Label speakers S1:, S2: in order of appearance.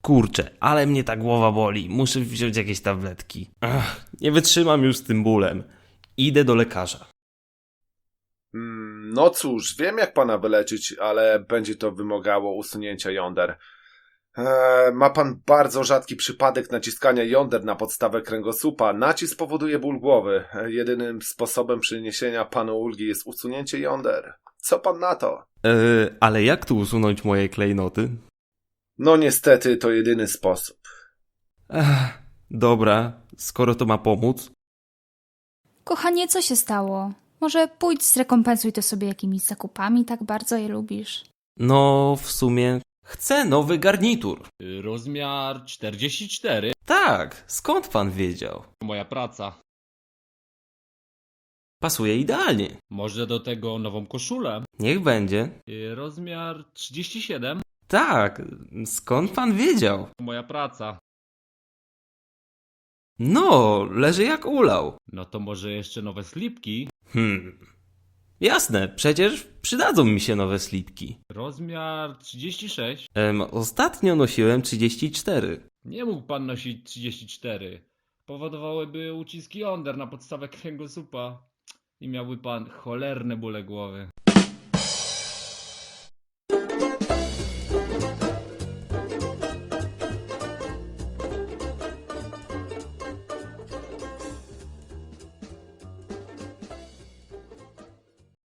S1: Kurczę, ale mnie ta głowa boli. Muszę wziąć jakieś tabletki. Ach, nie wytrzymam już z tym bólem. Idę do lekarza.
S2: No cóż, wiem jak pana wyleczyć, ale będzie to wymagało usunięcia jąder. Ma pan bardzo rzadki przypadek naciskania jąder na podstawę kręgosłupa. Nacisk powoduje ból głowy. Jedynym sposobem przyniesienia panu ulgi jest usunięcie jąder. Co pan na to?
S1: Ale jak tu usunąć moje klejnoty?
S2: No niestety to jedyny sposób.
S1: Dobra, skoro to ma pomóc.
S3: Kochanie, co się stało? Może pójdź zrekompensuj to sobie jakimiś zakupami, tak bardzo je lubisz.
S1: No, w sumie chcę nowy garnitur.
S4: Rozmiar 44.
S1: Tak, skąd pan wiedział?
S4: Moja praca.
S1: Pasuje idealnie.
S4: Może do tego nową koszulę.
S1: Niech będzie.
S4: Rozmiar 37.
S1: Tak, skąd pan wiedział?
S4: Moja praca.
S1: No, leży jak ulał.
S4: No to może jeszcze nowe slipki.
S1: Jasne, przecież przydadzą mi się nowe slipki.
S4: Rozmiar 36.
S1: Ostatnio nosiłem 34.
S4: Nie mógł pan nosić 34. Powodowałyby uciski jąder na podstawę kręgosłupa. I miałby pan cholerne bóle głowy.